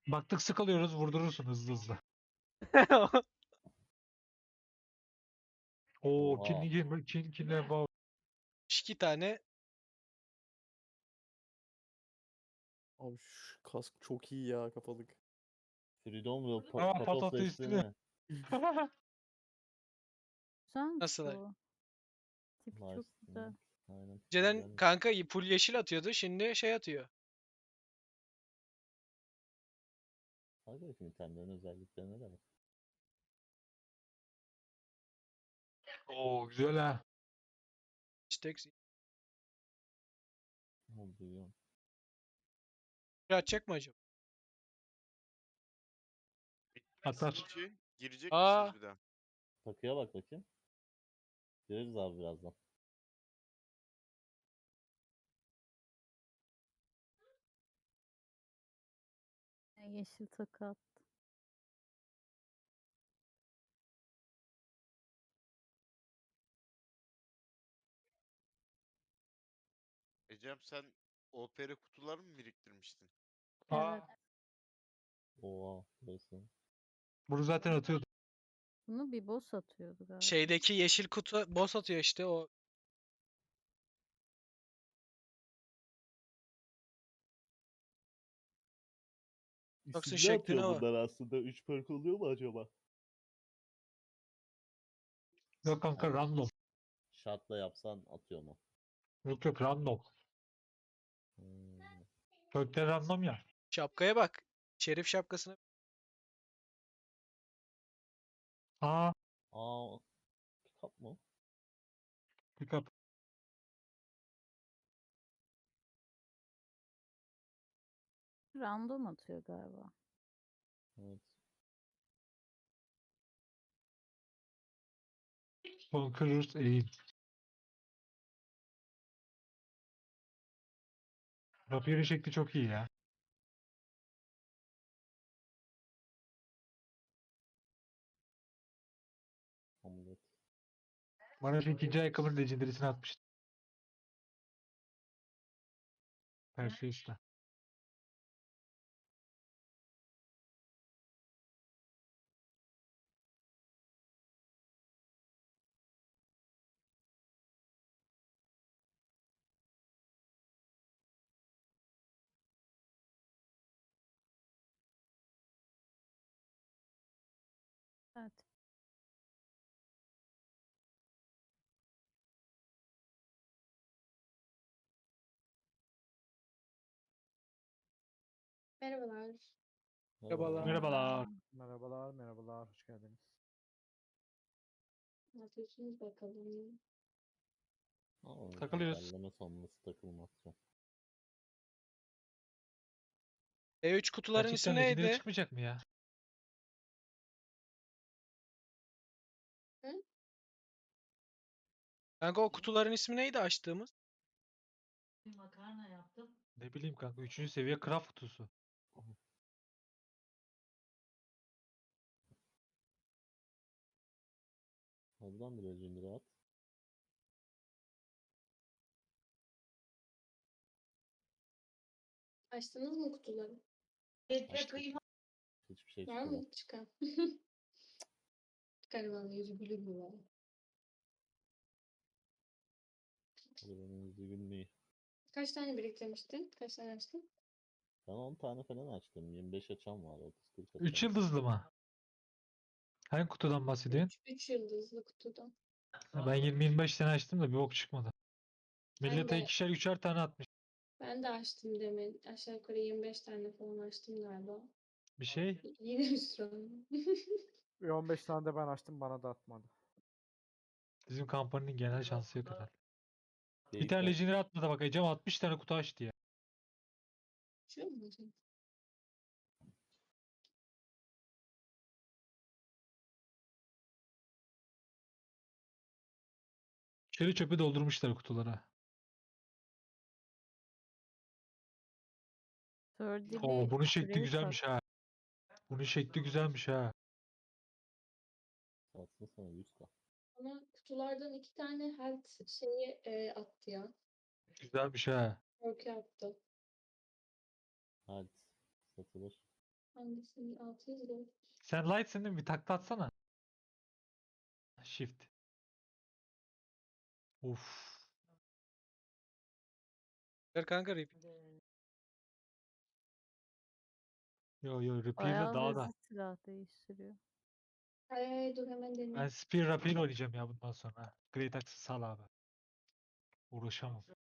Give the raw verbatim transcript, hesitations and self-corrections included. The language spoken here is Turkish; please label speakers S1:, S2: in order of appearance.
S1: Baktık sıkılıyoruz, vurdurursun hızlı hızlı. Oo,
S2: Oha.
S1: kinli girme, kin, kinle bağ.
S3: iki tane
S4: Abi şu kask çok iyi ya kafalık.
S2: Freedom ve pa
S1: Aa,
S2: patos
S1: patatesli.
S2: destini.
S5: Güzelmiş
S3: Nasıl?
S5: bu. Tipi çok
S2: Nice.
S5: güzel.
S2: Aynen.
S3: önceden
S2: güzelmiş.
S3: kanka full yeşil atıyordu. Şimdi şey atıyor.
S2: Hadi bakayım itemlerin özelliklerine de bak.
S1: Oo, güzel ha.
S3: İşte
S2: Ne oluyor?
S3: atacak mı acaba?
S1: Atar.
S6: İki, girecek
S3: Aa.
S6: misiniz bir daha?
S2: Takıya bak bakayım. Gireriz abi birazdan.
S5: Yeşil takı at.
S6: Ecem sen O P R kutuları mı biriktirmiştin?
S1: Aa,
S5: Evet.
S2: Oha. Burası.
S1: bunu zaten atıyordu.
S5: Bunu bir boss atıyordu galiba.
S3: Şeydeki yeşil kutu boss atıyor işte o. Yoksa
S2: İsimli atıyor
S3: şekline bak.
S2: bunlar aslında. üç perk oluyor mu acaba?
S1: Yok kanka,
S2: Yani
S1: random.
S2: şartla yapsan atıyor mu?
S1: Yok yok, random.
S2: Hmm.
S1: Kökte random ya.
S3: Şapkaya bak. Şerif şapkasına.
S1: Aa,
S2: Aa. Kitap mı?
S1: pick up.
S5: Random atıyor galiba.
S2: Evet.
S1: Conquerors eğim. Rapieri şekli çok iyi ya.
S2: Amulet.
S1: Bana şu ikinci ayakkabının legendary'sini atmıştı. Perseus'ta.
S5: Evet.
S7: Merhabalar.
S3: Merhabalar.
S1: Merhabalar.
S4: Merhabalar merhabalar hoş geldiniz.
S7: Ne yapıyorsunuz bakalım?
S2: Aa,
S1: Takılıyoruz.
S2: güncelleme sonrası takılmazsa.
S3: E üç kutuların ismi
S1: Gerçekten legendary
S3: neydi?
S1: çıkmayacak mı ya?
S7: Hı?
S3: Kanka o kutuların ismi neydi açtığımız?
S1: Ne bileyim kanka, üçüncü seviye craft kutusu.
S2: Oradan bir legendary at.
S7: Açtınız mı kutuları?
S2: Açtık. Hiçbir şey
S7: Var
S2: çıkmadı.
S7: mı? Çıkan. Garibanın yüzü gülür mü var?
S2: Hadi benim yüzü gülmeyi.
S7: Kaç tane biriktirmiştin? Kaç tane açtın?
S2: Ben on tane falan açtım. yirmi beş açan var. otuz kırk açan
S1: üç
S2: var.
S1: yıldızlı mı? Hangi kutudan bahsediyorsun?
S7: üç yıldızlı kutudan.
S1: Ha, ben yirmi yirmi beş tane açtım da bir bok çıkmadı.
S7: Ben
S1: Millete
S7: de,
S1: ikişer üçer tane atmış.
S7: ben de açtım demin. Aşağı yukarı yirmi beş tane falan açtım galiba.
S1: Bir şey.
S7: Yine bir sürü.
S4: Bir on beş tane de ben açtım bana da atmadı.
S1: Bizim kampanyanın genel şansı yok herhalde. Bir
S2: Geyik
S1: tane
S2: var.
S1: legendary atmadı bak. Ecem altmış tane kutu açtı ya.
S7: Şu mu hocam?
S1: İçeri çöpü doldurmuşlar kutulara.
S5: Sördili
S1: Oo, bunun şekli
S5: küreği
S1: güzelmiş
S5: tak.
S1: ha. Bunun şekli güzelmiş ha.
S2: Satsın sana yüz k.
S7: Bana kutulardan iki tane health şeyi e, attı ya.
S1: Güzelmiş ha.
S7: Korku attı.
S2: Hadi. Satılır.
S7: Hangisini? altı yüz dört.
S1: Sen light'sin değil mi? Bir takla atsana. Shift. Uf.
S3: Ver kanka rip.
S1: Yo yo Reaper'la
S5: Bayağı
S1: daha
S5: hızlı
S1: da.
S5: silah değiştiriyor.
S7: Ay ay dur hemen
S1: Ben
S7: deneyeyim.
S1: Spear Rapier oynayacağım ya bundan sonra. Great Axe'ı sal abi. Uğraşamam.